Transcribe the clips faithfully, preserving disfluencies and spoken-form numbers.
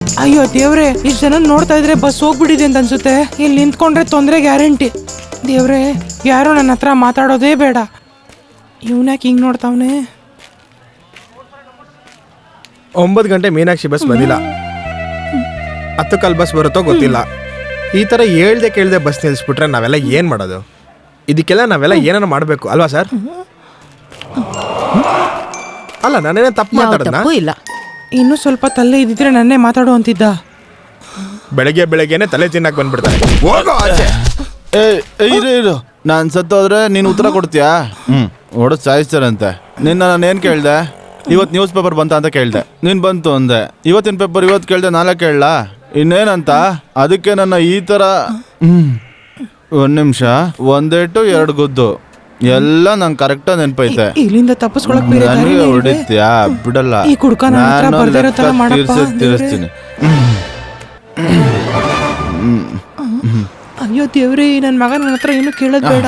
ಅಯ್ಯೋ ದೇವ್ರೆ, ಇಷ್ಟು ಜನ ನೋಡ್ತಾ ಇದ್ರೆ ಬಸ್ ಹೋಗ್ಬಿಟ್ಟಿದೆ ಅಂತ ಅನ್ಸುತ್ತೆ. ಇಲ್ಲಿ ನಿಂತ್ಕೊಂಡ್ರೆ ತೊಂದರೆ ಗ್ಯಾರಂಟಿ. ದೇವ್ರೆ, ಯಾರು ನನ್ನ ಹತ್ರ ಮಾತಾಡೋದೇ ಬೇಡ. ಇವನ್ಯಾಕೆ ಹಿಂಗ್ ನೋಡ್ತಾವನೆ? ಒಂಬತ್ತು ಗಂಟೆ ಮೀನಾಕ್ಷಿ ಬಸ್ ಬಂದಿಲ್ಲ. ಹತ್ತು ಕಾಲ್ ಬಸ್ ಬರುತ್ತೋ ಗೊತ್ತಿಲ್ಲ. ಈ ಥರ ಹೇಳ್ದೆ ಕೇಳ್ದೆ ಬಸ್ ನಿಲ್ಲಿಸ್ಬಿಟ್ರೆ ನಾವೆಲ್ಲ ಏನು ಮಾಡೋದು? ಇದಕ್ಕೆಲ್ಲ ನಾವೆಲ್ಲ ಏನಾರ ಮಾಡಬೇಕು ಅಲ್ವಾ ಸರ್? ಅಲ್ಲ, ನಾನೇನೇ ತಪ್ಪು ಮಾತಾಡೋದಾ? ಇಲ್ಲ, ಇನ್ನೂ ಸ್ವಲ್ಪ ತಲೆ ಇದ್ದಿದ್ರೆ ನನ್ನೇ ಮಾತಾಡು ಅಂತಿದ್ದ. ಬೆಳಗ್ಗೆ ಬೆಳಗ್ಗೆನೆ ತಲೆ ತಿನ್ನಕ್ ಬಂದ್ಬಿಡ್ತಾರೆ. ಹೋಗೋ ಆಚೆ. ಏ ಇರು ಇರು, ನಾನು ಸತ್ತೋದ್ರೆ ನೀನು ಉತ್ತರ ಕೊಡ್ತೀಯಾ? ಹ್ಞೂ ಹೊಡೆದು ಸಾಯಿಸ್ತಾರಂತೆ. ನಿನ್ನ ನಾನು ಏನು ಕೇಳಿದೆ? ಇವತ್ತು ನ್ಯೂಸ್ ಪೇಪರ್ ಬಂತ ಅಂತ ಕೇಳಿದೆ, ನೀನು ಬಂತು ಅಂದೆ. ಇವತ್ತಿನ ಪೇಪರ್ ಇವತ್ತು ಕೇಳಿದೆ, ನಾಳೆ ಕೇಳಲ್ಲ ಇನ್ನೇನಂತ? ಅದಕ್ಕೆ ನನ್ನ ಈ ಥರ ಹ್ಞೂ ಒಂದು ನಿಮಿಷ ಒಂದೇಟು ಎರಡು ಗುದ್ದು ಎಲ್ಲ ನಂಗೆ ಕರೆಕ್ಟಾಗಿ ನೆನಪೈತೆ. ಇಲ್ಲಿಂದ ತಪ್ಪಿಸ್ಕೊಳಕ್ ಬೇರೆ ದಾರಿ ನನಗೆ ಇಲ್ವೇ? ಹೊಡಿತ್ಯಾ? ಬಿಡಲ್ಲ, ಈ ಕುಡ್ಕ ನನ್ನ ಹತ್ರ ನಾನು ಬರ್ದಿರೋ ತರ ಲೆಕ್ಕ ಮಾಡಪ್ಪ ತೀರ್ಸೇ ತೀರಿಸ್ತೀನಿ. ಅಯ್ಯೋ ದೇವ್ರಿ, ನನ್ನ ಮಗ ನನ್ನ ಹತ್ರ ಏನು ಕೇಳೋದ್ ಬೇಡ.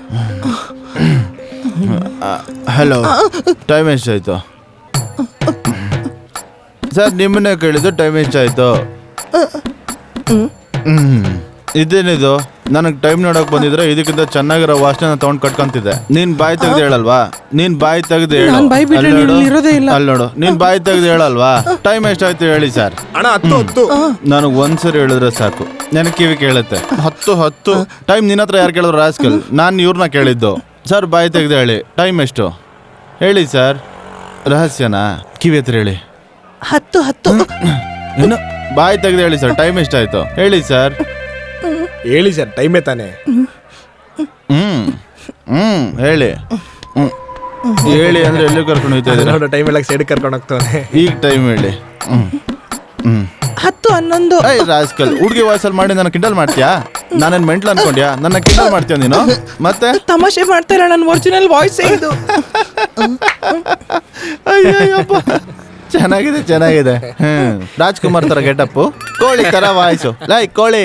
ಹಲೋ, ಟೈಮ್ ಎಷ್ಟಾಯ್ತು ಸರ್? ನಿಮ್ಮನ್ನೇ ಕೇಳಿದ್ದು, ಟೈಮ್ ಎಷ್ಟಾಯ್ತು? ಹ್ಮ್ ಇದೇನಿದು? ನನಗೆ ಟೈಮ್ ನೋಡಕ್ ಬಂದಿದ್ರೆ ಇದಕ್ಕಿಂತ ಚೆನ್ನಾಗಿರೋ ವಾಸನೆ ತಗೊಂಡ್ ಕಟ್ಕೊಂತಿದ್ದೆ. ನೀನ್ ಬಾಯಿ ತೆಗ್ದು ಹೇಳಲ್ವಾ? ನೀನ್ ಬಾಯಿ ತೆಗ್ದು ಹೇಳು. ನಾನ್ ಬಾಯಿ ಬಿಟ್ರೆ ನೀನ್ ಇಲ್ಲಿ ಇರೋದೇ ಇಲ್ಲ. ಅಲ್ಲಿ ನೋಡು, ನೀನ್ ಬಾಯಿ ತೆಗ್ದು ಹೇಳಲ್ವಾ? ಟೈಮ್ ಎಷ್ಟಾಯ್ತು ಹೇಳಿ ಸರ್. ಅಣ್ಣ ಹತ್ತು ಹತ್ತು. ನನಗೆ ಒಂದ್ಸರಿ ಹೇಳಿದ್ರೆ ಸಾಕು, ನನಗೆ ಕಿವಿ ಕೇಳುತ್ತೆ. ಹತ್ತು ಹತ್ತು ಟೈಮ್ ನಿನ್ನ ಹತ್ರ ಯಾರು ಕೇಳಿದ್ರು ರಾಸ್ಕಲ್? ನಾನು ಇವ್ರನ್ನ ಕೇಳಿದ್ದು. ಸರ್ ಬಾಯಿ ತೆಗ್ದು ಹೇಳಿ, ಟೈಮ್ ಎಷ್ಟು ಹೇಳಿ ಸರ್. ರಹಸ್ಯನಾ? ಕಿವಿ ಹತ್ರ ಹೇಳಿ. ಹತ್ತು ಹತ್ತು ಏನು? ಬಾಯಿ ತೆಗ್ದು ಹೇಳಿ ಸರ್, ಟೈಮ್ ಎಷ್ಟಾಯ್ತು ಹೇಳಿ ಸರ್. ಹೇಳಿ ಸರ್, ಟೈಮೇ ತಾನೆ. ಹ್ಮ್ ಹ್ಮ್ ಹೇಳಿ. ಹ್ಮ್ ಹೇಳಿ ಅಂದ್ರೆ ಎಲ್ಲಿ ಕರ್ಕೊಂಡು ಹೋಗ್ತಾ ಇದ್ದೀರಾ? ನೋಡು, ಟೈಮ್ ಎಲ್ಲ ಸೈಡ್ ಕರ್ಕೊಂಡು ಹೋಗ್ತಾನೆ. ಈಗ ಟೈಮ್ ಹೇಳಿ. ಹ್ಮ್ ಹ್ಮ್ ಹತ್ತು ಹನ್ನೊಂದು. ಐ ರಾಸ್ಕಲ್, ಹುಡುಗಿ ವಾಯ್ಸಲ್ಲಿ ಮಾಡಿ ನನ್ನ ಕಿಂಡಲ್ ಮಾಡ್ತೀಯಾ? ನಾನೇನ್ ಮೆಂಟ್ಲ್ ಅನ್ಕೊಂಡ್ಯಾ? ನನ್ನ ಕಿಂಡಲ್ ಮಾಡ್ತೀಯ ನೀನು? ಮತ್ತೆ ತಮಾಷೆ ಮಾಡ್ತಾ ಇಲ್ಲ, ನನ್ನ ಒರಿಜಿನಲ್ ವಾಯ್ಸ್ ಇದು. ಅಯ್ಯಪ್ಪ, ಚೆನ್ನಾಗಿದೆ ಚೆನ್ನಾಗಿದೆ. ಹ್ಮ್ ರಾಜ್ಕುಮಾರ್ ತರ ಗೆಟಪ್ಪು, ಕೋಳಿ ತರ ವಾಯ್ಸು. ಲೈಕ್ ಕೋಳಿ.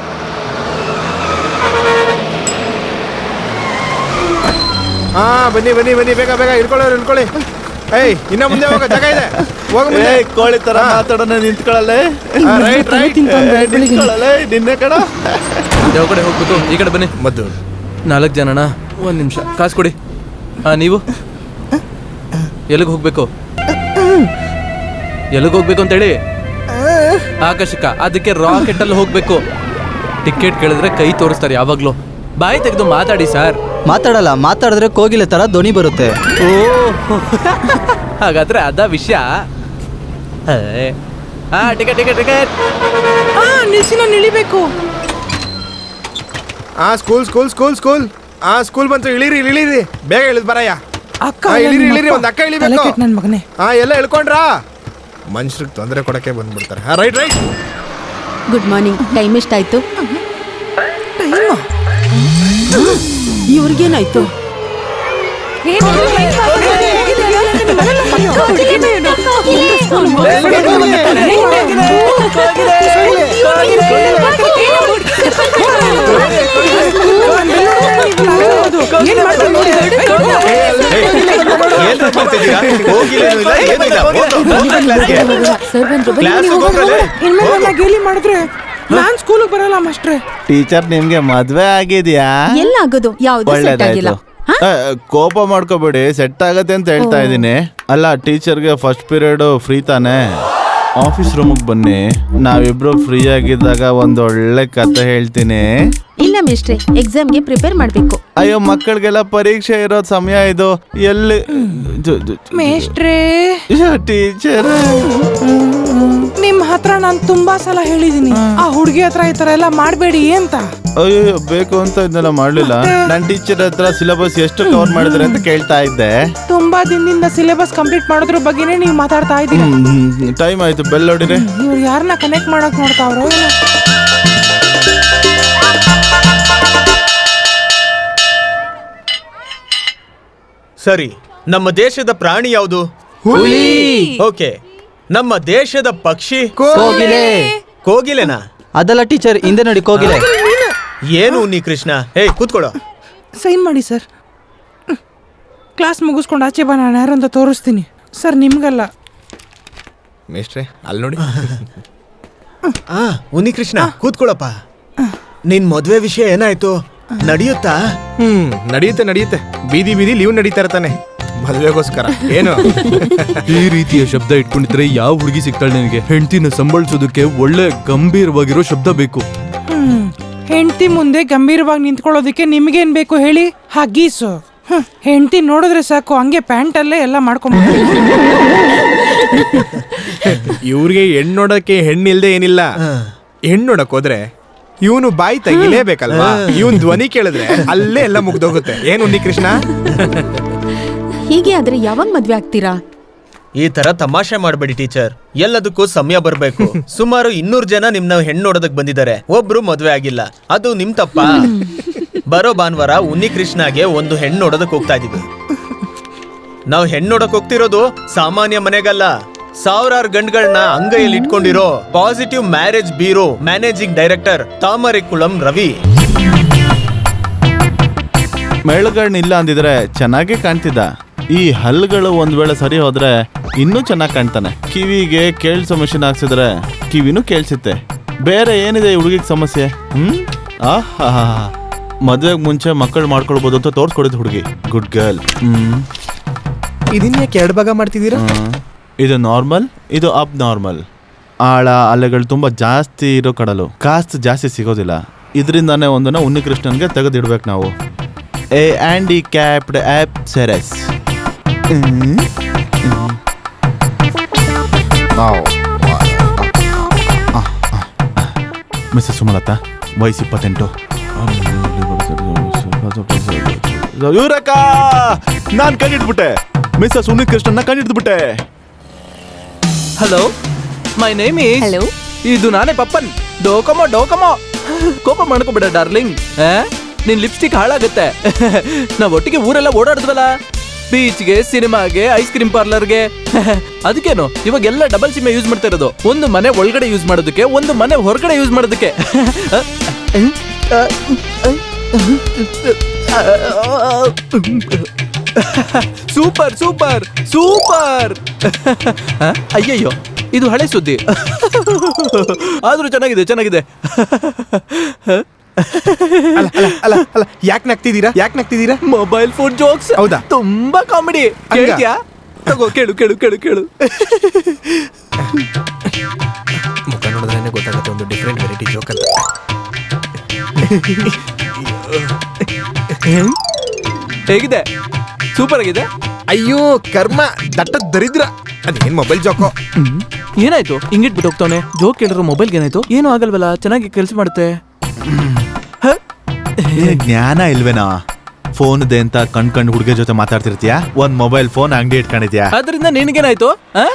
ಹಾ ಬನ್ನಿ ಬನ್ನಿ ಬನ್ನಿ, ಬೇಗ ಬೇಗ ಇಳ್ಕೊಳ್ಳೋರು ಇಳ್ಕೊಳ್ಳಿ. ಏಯ್, ಇನ್ನ ಮುಂದೆ ಹೋಗೋ ಜಾಗ ಇದೆ, ಹೋಗ. ಏ ಕೋಳಿ ತರ ಮಾತಾಡೋಣ, ನಿಂತ್ಕೊಳ್ಳಲೆ. ರೈಟ್ ರೈಟ್ ನಿಂತ್ಕೊಳ್ಳಲೆ, ನಿನ್ನೆ ಕಡ. ಯಾವ ಕಡೆ ಹೋಗ್ಬೇಕು? ಈ ಕಡೆ ಬನ್ನಿ. ಮದ್ದು ನಾಲ್ಕು ಜನನ, ಒಂದು ನಿಮಿಷ ಕಾಸು ಕೊಡಿ. ಹಾಂ, ನೀವು ಎಲ್ಲಿಗೆ ಹೋಗ್ಬೇಕು? ಎಲ್ಲಿಗೆ ಹೋಗ್ಬೇಕು ಅಂತೇಳಿ? ಆಕರ್ಷಕ, ಅದಕ್ಕೆ ರಾಕೆಟ್ ಅಲ್ಲಿ ಹೋಗ್ಬೇಕು. ಟಿಕೆಟ್ ಕೇಳಿದ್ರೆ ಕೈ ತೋರಿಸ್ತಾರೆ ಯಾವಾಗ್ಲೂ. ಬಾಯಿ ತೆಗೆದು ಮಾತಾಡಿ ಸರ್. ಮಾತಾಡಲ್ಲ, ಮಾತಾಡಿದ್ರೆ ಕೋಗಿಲೆ ತರ ಧ್ವನಿ ಬರುತ್ತೆ. ಓ ಹಾಗಾದ್ರೆ ಅದ ವಿಷಯ. ಹಾ, ಟಿಕೆಟ್ ಟಿಕೆಟ್ ಟಿಕೆಟ್. ಆ ನಿಲ್ಸಿ, ನಾನು ಇಳಿಬೇಕು. ಆ ಸ್ಕೂಲ್ ಸ್ಕೂಲ್ ಸ್ಕೂಲ್ ಸ್ಕೂಲ್ ಆ ಸ್ಕೂಲ್ ಬಂತು. ಇಳಿರಿ ಇಳಿರಿ, ಬೇಗ ಇಳಿದ್ ಬರಯ್ಯ. ಅಕ್ಕ ಆ, ಇಳಿರಿ ಇಳಿರಿ, ಒಂದು ಅಕ್ಕ ಇಳಿಬೇಕು. ನನ್ನ ಮಗನೇ. ಹಾ, ಎಲ್ಲ ಇಳ್ಕೊಂಡ್ರಾ? ಮನುಷ್ಯರಿಗೆ ತೊಂದರೆ ಕೊಡಕ್ಕೆ ಬಂದ್ಬಿಡ್ತಾರೆ. ಹಾ, right right. Good morning. Time ಎಷ್ಟಾಯ್ತು? ಇವ್ರಿಗೇನಾಯ್ತು? ಇನ್ಮೇಲೆ ಗೇಲಿ ಮಾಡಿದ್ರೆ ನಾನ್ ಸ್ಕೂಲಿಗೆ ಬರಲ್ಲ ಮಾಸ್ಟ್ರೆ. ಟೀಚರ್, ನಿಮ್ಗೆ ಮದ್ವೆ ಆಗಿದ್ಯಾ? ಎಲ್ಲ ಆಗೋದು, ಯಾವ್ದು ಸೆಟ್ ಆಗಿಲ್ಲ. ಕೋಪ ಮಾಡ್ಕೋಬೇಡಿ, ಸೆಟ್ ಆಗತ್ತೆ ಅಂತ ಹೇಳ್ತಾ ಇದ್ದೀನಿ. ಅಲ್ಲ, ಟೀಚರ್ಗೆ ಫಸ್ಟ್ ಪೀರಿಯಡ್ ಫ್ರೀ ತಾನೆ? ಆಫೀಸ್ ರೂಮಿಗೆ ಬನ್ನಿ, ನಾವಿಬ್ರು ಫ್ರೀ ಆಗಿದ್ದಾಗ ಒಂದೊಳ್ಳೆ ಕತೆ ಹೇಳ್ತೀನಿ. ಇಲ್ಲ ಮಿಸ್ಟ್ರೆ, ಎಕ್ಸಾಮ್ಗೆ ಪ್ರಿಪೇರ್ ಮಾಡ್ಬೇಕು. ಅಯ್ಯೋ, ಮಕ್ಕಳಿಗೆಲ್ಲ ಪರೀಕ್ಷೆ ಇರೋ ಸಮಯ ಇದು. ಎಲ್ಲಿ ಮೇಷ್ಟ್ರೇ, ಟೀಚರ್, ನಿಮ್ ಹತ್ರ ನಾನು ತುಂಬಾ ಸಲ ಹೇಳಿದೀನಿ, ಆ ಹುಡುಗಿ ಹತ್ರ ಈ ತರ ಎಲ್ಲ ಮಾಡ್ಬೇಡಿ ಅಂತ. ಅಯ್ಯೋ, ಬೇಕು ಅಂತ ಇದನ್ನೆಲ್ಲ ಮಾಡ್ಲಿಲ್ಲ. ನನ್ ಟೀಚರ್ ಹತ್ರ ಸಿಲೆಬಸ್ ಎಷ್ಟು ಕವರ್ ಮಾಡಿದ್ರೆ ಅಂತ ಕೇಳ್ತಾ ಇದ್ದೆ. ತುಂಬಾ ದಿನದಿಂದ ಸಿಲೆಬಸ್ ಕಂಪ್ಲೀಟ್ ಮಾಡೋದ್ರ ಬಗ್ಗೆನೇ ನೀವು ಮಾತಾಡ್ತಾ ಇದ್ದೀರಾ. ಟೈಮ್ ಆಯ್ತು, ಬೆಲ್ ಹೊಡಿರಿ. ಇವ್ರು ಯಾರನ್ನ ಕನೆಕ್ಟ್ ಮಾಡಕ್ ನೋಡ್ತಾವ್ರೋ ಏನೋ. ಸರಿ, ನಮ್ಮ ದೇಶದ ಪ್ರಾಣಿ ಯಾವುದು? ಹುಲಿ. ಓಕೆ, ನಮ್ಮ ದೇಶದ ಪಕ್ಷಿ? ಕೋಗಿಲೆ. ಕೋಗಿಲೆನಾ? ಅದಲ್ಲ ಟೀಚರ್, ಹಿಂದೆ ನೋಡಿ ಕೋಗಿಲೆ. ಏನು ನೀ ಕೃಷ್ಣ? ಹೇ, ಕೂತ್ಕೊಳ್ಳೋ. ಸೈನ್ ಮಾಡಿ ಸರ್. ಕ್ಲಾಸ್ ಮುಗಿಸ್ಕೊಂಡು ಆಚೆ ಬಾ, ನಾನು ಯಾರು ಅಂತ ತೋರಿಸ್ತೀನಿ. ಸರ್ ನಿಮ್ಗಲ್ಲ. ಮೇಷ್ಟ್ರೆ, ಅಲ್ಲಿ ನೋಡಿ. ಆ ಉನ್ನಿ ಕೃಷ್ಣ ಕೂತ್ಕೊಳ್ಳಪ್ಪ. ನಿನ್ ಮದ್ವೆ ವಿಷಯ ಏನಾಯ್ತು? ನಡೆಯುತ್ತಾ? ಹ್ಮ್ ನಡೆಯುತ್ತೆ ನಡೆಯುತ್ತೆ. ಬೀದಿ ಬೀದಿ ಲೀವ್ ನಡೀತಾ ಇರ್ತಾನೆ ಮದ್ವೆಗೋಸ್ಕರ. ಏನು ಈ ರೀತಿಯ ಶಬ್ದ ಇಟ್ಕೊಂಡಿದ್ರೆ ಯಾವ ಹುಡುಗಿ ಸಿಗ್ತಾಳೆ ನಿನಗೆ? ಹೆಂಡತಿನ ಸಂಬಳಿಸೋದಕ್ಕೆ ಒಳ್ಳೆ ಗಂಭೀರವಾಗಿರೋ ಶಬ್ದ ಬೇಕು. ಹ್ಮ್ ಹೆಂಡತಿ ಮುಂದೆ ಗಂಭೀರವಾಗಿ ನಿಂತ್ಕೊಳ್ಳೋದಕ್ಕೆ ನಿಮ್ಗೇನ್ ಬೇಕು ಹೇಳಿ? ಹಗೀಸು. ಹ್ಮ್ ಹೆಂಡತಿ ನೋಡಿದ್ರೆ ಸಾಕು ಹಂಗೆ ಪ್ಯಾಂಟಲ್ಲೇ ಎಲ್ಲ ಮಾಡ್ಕೊಂಡ್ಬಿಟ್ಟು. ಇವ್ರಿಗೆ ಹೆಣ್ಣು ನೋಡಕ್ಕೆ ಹೆಣ್ಣು ಇಲ್ದೆ ಏನಿಲ್ಲ. ಹೆಣ್ಣು ನೋಡಕ್ ಹೋದ್ರೆ ಇವನು ಬಾಯಿ ತೆಗಿಲೇಬೇಕಲ್ವಾ? ಇವನ್ ಧ್ವನಿ ಕೇಳಿದ್ರೆ ಅಲ್ಲೇ ಎಲ್ಲ ಮುಗ್ದೋಗುತ್ತೆ. ಏನು ಉನ್ನಿ ಕೃಷ್ಣ? ಹೀಗೆ ಆದ್ರೆ ಯಾವಾಗ ಮದ್ವೆ ಆಗ್ತೀರಾ? ಈ ತರ ತಮಾಷೆ ಮಾಡ್ಬೇಡಿ ಟೀಚರ್. ಎಲ್ಲದಕ್ಕೂ ಸಮಯ ಬರ್ಬೇಕು. ಸುಮಾರು ಇನ್ನೂರು ಜನ ನಿಮ್ನ ಹೆಣ್ಣು ನೋಡೋದಕ್ ಬಂದಿದ್ದಾರೆ, ಒಬ್ರು ಮದ್ವೆ ಆಗಿಲ್ಲ. ಅದು ನಿಮ್ ತಪ್ಪ. ಬರೋ ಭಾನುವಾರ ಉನ್ನಿ ಕೃಷ್ಣಗೆ ಒಂದು ಹೆಣ್ಣು ನೋಡೋದಕ್ ಹೋಗ್ತಾ ಇದೀವಿ. ನಾವು ಹೆಣ್ಣು ನೋಡಕ್ ಹೋಗ್ತಿರೋದು ಸಾಮಾನ್ಯ ಮನೆಗಲ್ಲ, ಸಾವಿರಾರು ಗಂಡುಗಳನ್ನ ಅಂಗೈಯಲ್ಲಿ ಇಟ್ಕೊಂಡಿರೋ positive marriage bureau managing director Thamarakulam Ravi. ಮೆಳಗಣ್ಣಿಲ್ಲ ಅಂದಿದ್ರೆ ಚೆನ್ನಾಗೇ ಕಾಣ್ತಿದ್ದ. ಈ ಹಲ್ಗಳು ಒಂದ್ ವೇಳೆ ಸರಿ ಹೋದ್ರೆ ಇನ್ನೂ ಚೆನ್ನಾಗಿ ಕಾಣ್ತಾನೆ. ಕಿವಿಗೆ ಕೇಳಿಸೋ ಮಿಷಿನ್ ಹಾಕ್ಸಿದ್ರೆ ಕಿವಿನೂ ಕೇಳಿಸುತ್ತೆ. ಬೇರೆ ಏನಿದೆ ಈ ಹುಡುಗಿಗೆ ಸಮಸ್ಯೆ? ಹ್ಮ್ ಆಹಾ ಮದ್ವೆಗೆ ಮುಂಚೆ ಮಕ್ಕಳು ಮಾಡ್ಕೊಳ್ಬೋದು ಅಂತ ತೋರ್ಸ್ಕೊಡಿದ್ ಹುಡುಗಿ. Good girl. ಹ್ಮ್ ಇದನ್ನ ಯಾಕೆ ಎರಡು ಭಾಗ ಮಾಡ್ತಿದ್ದೀರಾ? ಇದು ನಾರ್ಮಲ್, ಇದು ಅಬ್ ನಾರ್ಮಲ್. ಆಳ ಅಲೆಗಳು ತುಂಬಾ ಜಾಸ್ತಿ ಇರೋ ಕಡಲು, ಕಾಸ್ತ್ ಜಾಸ್ತಿ ಸಿಗೋದಿಲ್ಲ. ಇದರಿಂದಾನೇ ಒಂದನ್ನ ಉನ್ನಿ ಕೃಷ್ಣನ್ಗೆ ತೆಗೆದಿಡ್ಬೇಕು ನಾವು. A handicapped of series. Missus Sumalatha, ವಯಸ್ಸು ಇಪ್ಪತ್ತೆಂಟು. ಇವ್ರಕ್ಕ ನಾನ್ ಕಂಡಿಡ್ಬಿಟ್ಟೆ. ಮಿಸ್ಸಸ್ ಉನ್ನಿ ಕೃಷ್ಣನ್ನ ಕಂಡಿಡ್ಬಿಟ್ಟೆ. Hello, my name is. Hello. ಇದು ನಾನೇ ಪಪ್ಪನ್. ಡೋಕಮೋ ಡೋಕಮೋ. ಕೋಪ ಮಾಡ್ಕೋಬೇಡ ಡಾರ್ಲಿಂಗ್. ನಿನ್ ಲಿಪ್ಸ್ಟಿಕ್ ಹಾಳಾಗುತ್ತೆ. ನಾವ್ ಒಟ್ಟಿಗೆ ಊರೆಲ್ಲ ಓಡಾಡಿದ್ವಲ್ಲ, ಬೀಚ್ಗೆ, ಸಿನಿಮಾಗೆ, ಐಸ್ ಕ್ರೀಮ್ ಪಾರ್ಲರ್ಗೆ. ಅದಕ್ಕೇನು ಇವಾಗ ಎಲ್ಲ ಡಬಲ್ ಸಿಮ್ ಯೂಸ್ ಮಾಡ್ತಾ ಇರೋದು. ಒಂದು ಮನೆ ಒಳಗಡೆ ಯೂಸ್ ಮಾಡೋದಕ್ಕೆ, ಒಂದು ಮನೆ ಹೊರಗಡೆ ಯೂಸ್ ಮಾಡೋದಕ್ಕೆ. Super super super. ಅಯ್ಯಯ್ಯೋ, ಇದು ಹಳೆ ಸುದ್ದಿ. ಆದ್ರೂ ಚೆನ್ನಾಗಿದೆ ಚೆನ್ನಾಗಿದೆ. ಅಲ್ಲ ಅಲ್ಲ ಅಲ್ಲ ಅಲ್ಲ ಯಾಕೆ ನಗ್ತಿದ್ದೀರಾ? ಯಾಕೆ ನಗ್ತಿದ್ದೀರಾ? Mobile phone jokes. ಹೌದಾ? ತುಂಬಾ ಕಾಮಿಡಿ. ಹಂಗ? ಕೇಳ್ತ್ಯಾ? ತಗೋ ಕೇಳು ಕೇಳು ಕೇಳು ಕೇಳು. ಮುಖ ನೋಡಿದ್ರೆ ಗೊತ್ತಾಗುತ್ತೆ ಒಂದು ಡಿಫ್ರೆಂಟ್ ವೆರೈಟಿ ಜೋಕ್ ಅಂತ. ಹೇಗಿದೆ? ಸೂಪರ್ ಆಗಿದೆ. ಅಯ್ಯೋ ಕರ್ಮ, ದಟ್ಟ ದರಿದ್ರ. ಅದೇನ್ ಮೊಬೈಲ್ ಜೋಕೋ? ಏನಾಯ್ತು ಹಿಂಗಿಟ್ಬಿಟ್ಟು ಹೋಗ್ತಾನೆ? ಜೋಕ್ ಕೇಳಿರೋ ಮೊಬೈಲ್ಗೆ ಏನಾಯ್ತು? ಏನೂ ಆಗಲ್ವಲ್ಲ, ಚೆನ್ನಾಗಿ ಕೆಲಸ ಮಾಡುತ್ತೆ. ಜ್ಞಾನ ಇಲ್ವೇನಾ? ಫೋನ್ ಇದೆ ಅಂತ ಕಣ್ ಕಣ್ ಹುಡುಗ ಜೊತೆ ಮಾತಾಡ್ತಿರ್ತೀಯಾ? ಒಂದ್ ಮೊಬೈಲ್ ಫೋನ್ ಅಂಗಡಿ ಇಟ್ಕೊಂಡಿದ್ಯಾ? ಅದರಿಂದ ನಿನಗೇನಾಯ್ತು?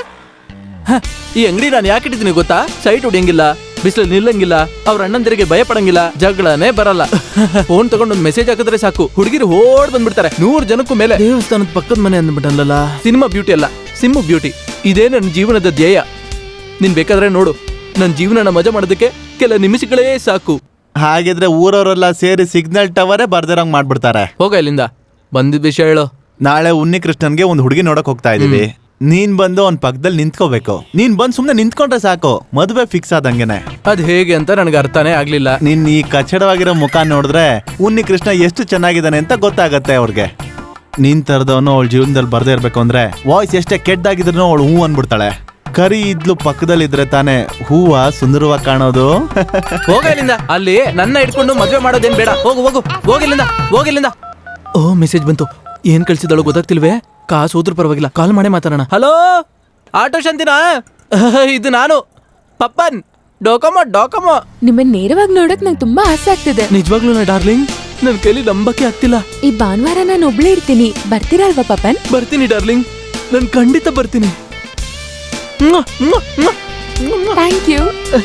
ಈ ಅಂಗಡಿ ನಾನು ಯಾಕೆ ಇಟ್ಟಿದ್ದೀನಿ ಗೊತ್ತಾ? ಸೈಟ್ ಹೊಡಿಯಂಗಿಲ್ಲ, ಬಿಸಿಲು ನಿಲ್ಲಂಗಿಲ್ಲ, ಅವ್ರ ಅಣ್ಣಂದಿರಿಗೆ ಭಯ ಪಡಂಗಿಲ್ಲ, ಜಗಳನೇ ಬರಲ್ಲ. ಫೋನ್ ತಗೊಂಡು ಒಂದು ಮೆಸೇಜ್ ಹಾಕಿದ್ರೆ ಸಾಕು, ಹುಡುಗಿರು ಓಡ್ ಬಂದ್ಬಿಡ್ತಾರೆ. ನೂರ್ ಜನಕ್ಕೂ ಮೇಲೆ. ದೇವಸ್ಥಾನದ ಪಕ್ಕದ ಮನೆ ಅಂದ್ಬಿಟ್ಟಲ್ಲ. ಸಿನಿಮಾ ಬ್ಯೂಟಿ ಅಲ್ಲ, ಸಿಮ್ಮು ಬ್ಯೂಟಿ. ಇದೇ ನನ್ನ ಜೀವನದ ಧ್ಯೇಯ. ನೀನ್ ಬೇಕಾದ್ರೆ ನೋಡು, ನನ್ನ ಜೀವನನ ಮಜಾ ಮಾಡೋದಕ್ಕೆ ಕೆಲ ನಿಮಿಷಗಳೇ ಸಾಕು. ಹಾಗಿದ್ರೆ ಊರವರೆಲ್ಲ ಸೇರಿ ಸಿಗ್ನಲ್ ಟವರೇ ಬರ್ದಿರಂಗ್ ಮಾಡ್ಬಿಡ್ತಾರೆ. ಹೋಗ ಇಲ್ಲಿಂದ. ಬಂದಿದ್ದ ವಿಷಯ ಹೇಳು. ನಾಳೆ ಉನ್ನಿ ಕೃಷ್ಣನ್ಗೆ ಒಂದು ಹುಡುಗಿ ನೋಡಕ್ ಹೋಗ್ತಾ ಇದೀವಿ. ನೀನ್ ಬಂದು ಅವ್ನ್ ಪಕ್ಕದಲ್ಲಿ ನಿಂತ್ಕೋಬೇಕು. ನೀನ್ ಬಂದ್ ಸುಮ್ನೆ ನಿಂತ್ಕೊಂಡ್ರೆ ಸಾಕು, ಮದುವೆ ಫಿಕ್ಸ್ ಆದಂಗೆನೆ. ಅದ್ ಹೇಗೆ ಅಂತ ನನಗೆ ಅರ್ಥನೇ ಆಗ್ಲಿಲ್ಲ. ನಿನ್ ಈ ಕಚ್ಚಡವಾಗಿರೋ ಮುಖ ನೋಡಿದ್ರೆ ಉನ್ನಿ ಕೃಷ್ಣ ಎಷ್ಟು ಚೆನ್ನಾಗಿದ್ದಾನೆ ಅಂತ ಗೊತ್ತಾಗತ್ತೆ ಅವ್ರಿಗೆ. ನೀನ್ ತರದವನು ಅವಳ ಜೀವನದಲ್ಲಿ ಬರ್ದೇ ಇರ್ಬೇಕು ಅಂದ್ರೆ ವಾಯ್ಸ್ ಎಷ್ಟೇ ಕೆಟ್ಟದಾಗಿದ್ರು ಅವಳು ಹೂ ಅನ್ಬಿಡ್ತಾಳೆ. ಕರಿ ಇದ್ಲು ಪಕ್ಕದಲ್ಲಿದ್ರೆ ತಾನೇ ಹೂವ ಸುಂದರವಾಗಿ ಕಾಣೋದು. ಹೋಗ ಇಲ್ಲಿಂದ. ಅಲ್ಲಿ ನನ್ನ ಇಟ್ಕೊಂಡು ಮದ್ವೆ ಮಾಡೋದೇನ್ ಬೇಡ. ಹೋಗು ಹೋಗು ಹೋಗಿಲ್ಲಿಂದ ಹೋಗಿಲ್ಲಿಂದ. ಓ ಮೆಸೇಜ್ ಬಂತು. ಏನ್ ಕಳ್ಸಿದಳು ಗೊತ್ತಾಗ್ತಿಲ್ವೇ? ಕಾಸು ಹೋದ್ರೂ ಪರವಾಗಿಲ್ಲ, ಕಾಲ್ ಮಾಡೇ ಮಾತಾಡೋಣ. ಹಲೋ ಆಟೋ ಶಾಂತಿನಾ? ಇದು ನಾನು ಪಪ್ಪನ್. ಡೋಕಮೋ ಡೋಕಮೋ. ನಿಮ್ಮನ್ನ ನೇರವಾಗಿ ನೋಡಕ್ ನಂಗೆ ತುಂಬಾ ಆಸೆ ಆಗ್ತಿದೆ. ನಿಜವಾಗ್ಲೂ ನಾ ಡಾರ್ಲಿಂಗ್, ನನ್ ಕೈಲಿ ನಂಬಕ್ಕೆ ಆಗ್ತಿಲ್ಲ. ಈ ಭಾನುವಾರ ನಾನು ಒಬ್ಳೇ ಇರ್ತೀನಿ, ಬರ್ತೀರಾ ಅಲ್ವಾ ಪಪ್ಪನ್? ಬರ್ತೀನಿ ಡಾರ್ಲಿಂಗ್, ನನ್ ಖಂಡಿತ ಬರ್ತೀನಿ. Thank you.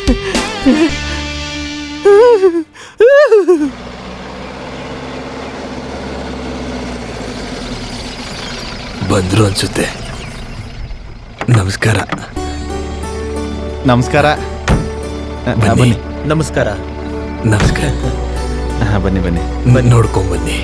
ಬಂದ್ರು ಅನ್ಸುತ್ತೆ. ನಮಸ್ಕಾರ. ನಮಸ್ಕಾರ. ಬನ್ನಿ. ನಮಸ್ಕಾರ. ನಮಸ್ಕಾರ. ಬನ್ನಿ ಬನ್ನಿ ಬನ್ನಿ ನೋಡ್ಕೊಂಡ್ ಬನ್ನಿ.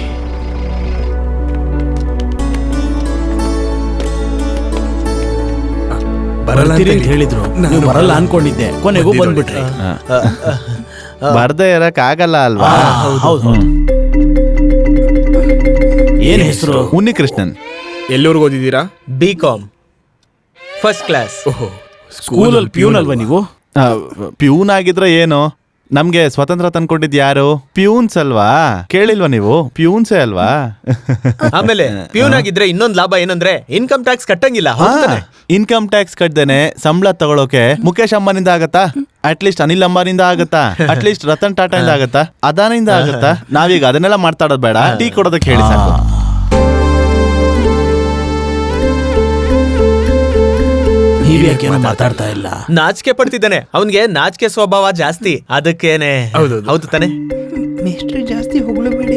ಬರಲ್ಲ ಅಂತ ಬರ್ತೀರಿ ಅಂತ ಹೇಳಿದ್ರು ನೀವು ಬರಲ್ಲ ಅನ್ಕೊಂಡಿದ್ದೆ ಕೊನೆಗೂ ಬಂದ್ಬಿಟ್ರಿ ಬರ್ದೇ ಇರಕ್ ಆಗಲ್ಲ ಅಲ್ವಾ? ಹೌದು ಹೌದು ಏನ್ ಹೆಸರು? ಉನ್ನಿಕೃಷ್ಣನ್. ಎಲ್ಲೂರ್ಗೆ ಓದಿದ್ದೀರಾ? B Com first class. ಸ್ಕೂಲಲ್ಲಿ ಪ್ಯೂನ್ ಅಲ್ವಾ ನೀವು? ಆ, ಪ್ಯೂನ್ ಆಗಿದ್ರೆ ಏನು, ನಮ್ಗೆ ಸ್ವತಂತ್ರ ತಂದ್ಕೊಟ್ಟಿದ್ ಯಾರು? ಪ್ಯೂನ್ಸ್ ಅಲ್ವಾ? ಕೇಳಿಲ್ವಾ ನೀವು? ಪ್ಯೂನ್ಸೇ ಅಲ್ವಾ? ಆಮೇಲೆ ಪ್ಯೂನ್ ಆಗಿದ್ರೆ ಇನ್ನೊಂದ್ ಲಾಭ ಏನಂದ್ರೆ ಇನ್ಕಮ್ ಟ್ಯಾಕ್ಸ್ ಕಟ್ಟಂಗಿಲ್ಲ. ಹೌದಾನೆ? ಇನ್ಕಮ್ ಟ್ಯಾಕ್ಸ್ ಕಟ್ದೇನೆ ಸಂಬಳ ತಗೊಳೋಕೆ ಮುಖೇಶ್ ಅಂಬಾನಿಂದ ಆಗತ್ತಾ? ಅಟ್ಲೀಸ್ಟ್ ಅನಿಲ್ ಅಂಬಾನಿಂದ ಆಗತ್ತಾ? ಅಟ್ಲೀಸ್ಟ್ ರತನ್ ಟಾಟಾ ಇಂದ ಆಗತ್ತಾ? ಅದಾನಿಂದ ಆಗತ್ತಾ? ನಾವೀಗ ಅದನ್ನೆಲ್ಲ ಮಾತಾಡೋದ್ ಬೇಡ, ಟೀ ಕೊಡೋದಕ್ಕೆ ಹೇಳಿ ಸಾಕು. ನೀವ್ ಯಾಕೇನೋ ಮಾತಾಡ್ತಾ ಇಲ್ಲ? ನಾಚಿಕೆ ಪಡ್ತಿದ್ದಾನೆ. ಅವನ್ಗೆ ನಾಚಿಕೆ ಸ್ವಭಾವ ಜಾಸ್ತಿ, ಅದಕ್ಕೇನೆ. ಹೌದೌದು. ಹೌದು ತಾನೆ? ಮೇಷ್ಟ್ರಿ ಜಾಸ್ತಿ ಹೊಗಳಬೇಡಿ.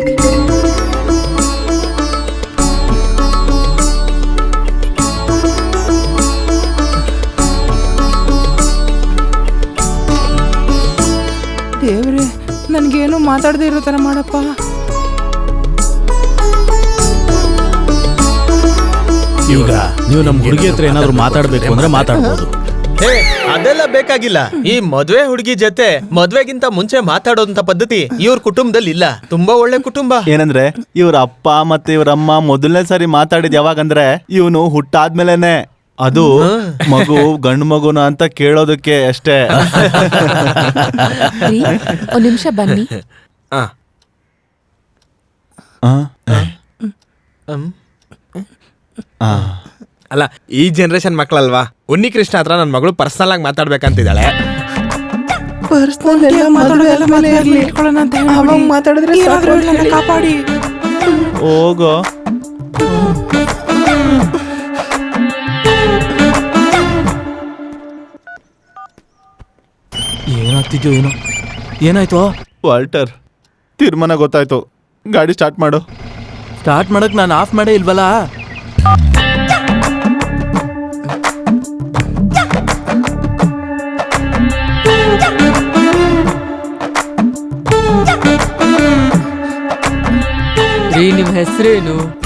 ದೇವ್ರೆ, ನನ್ಗೇನು ಮಾತಾಡದೇ ಇರೋ ತರ ಮಾಡಪ್ಪ. ಈಗ ನೀವು ನಮ್ ಹುಡುಗಿ ಹತ್ರ ಏನಾದ್ರು ಮಾತಾಡ್ಬೇಕು ಅಂದ್ರೆ ಮಾತಾಡ್ಬೋದು. ಹೇ, ಅದೆಲ್ಲ ಬೇಕಾಗಿಲ್ಲ. ಈ ಮದ್ವೆ ಹುಡುಗಿ ಜೊತೆ ಮದ್ವೆಗಿಂತ ಮುಂಚೆ ಮಾತಾಡೋದಂತ ಪದ್ಧತಿ ಇವ್ರ ಕುಟುಂಬದಲ್ಲಿ ಇಲ್ಲ. ತುಂಬಾ ಒಳ್ಳೆ ಕುಟುಂಬ. ಏನಂದ್ರೆ ಇವ್ರ ಅಪ್ಪ ಮತ್ತೆ ಇವ್ರ ಅಮ್ಮ ಮೊದಲನೇ ಸಾರಿ ಮಾತಾಡಿದ್ ಯಾವಾಗಂದ್ರೆ ಇವನು ಹುಟ್ಟಾದ್ಮೇಲೆನೆ. ಅದು ಮಗು ಗಂಡು ಮಗುನ ಅಂತ ಕೇಳೋದಕ್ಕೆ ಅಷ್ಟೇ. ರೀ, ಒಂದ್ ನಿಮಿಷ ಬನ್ನಿ. ಆ, ಆ? ಹ್ಮ್. ಆ. ಅಲ್ಲ, ಈ ಜನರೇಷನ್ ಮಕ್ಕಳಲ್ವಾ? ಉನ್ನಿಕೃಷ್ಣ ಹತ್ರ ನನ್ನ ಮಗಳು ಪರ್ಸನಲ್ ಆಗಿ ಮಾತಾಡ್ಬೇಕಂತಿದ್ದಾಳೆ. ಪರ್ಸನಲ್ ಎಲ್ಲ ಮಾತಾಡೋದೆಲ್ಲ ಮೇಲೆ ಇರ್ಲಿ, ಇಟ್ಕೊಳ್ಳೋಣ ಅಂತ ಹೇಳಿ. ಅವಾಗ ಮಾತಾಡಿದ್ರೆ ಏನಾದ್ರೂ ಹೇಳಿ ನನ್ನ ಕಾಪಾಡಿ. ಹೋಗೋ. ಏನಾಗ್ತಿದ್ಯೋ ಏನೋ. ಏನಾಯ್ತು? ವಾಲ್ಟರ್, ತೀರ್ಮಾನ ಗೊತ್ತಾಯ್ತು. ಗಾಡಿ ಸ್ಟಾರ್ಟ್ ಮಾಡು. ಸ್ಟಾರ್ಟ್ ಮಾಡಕ್ ನಾನು ಆಫ್ ಮಾಡೇ ಇಲ್ವಲ್ಲ. ರೀ, ನಿಮ್ ಹೆಸರೇನು?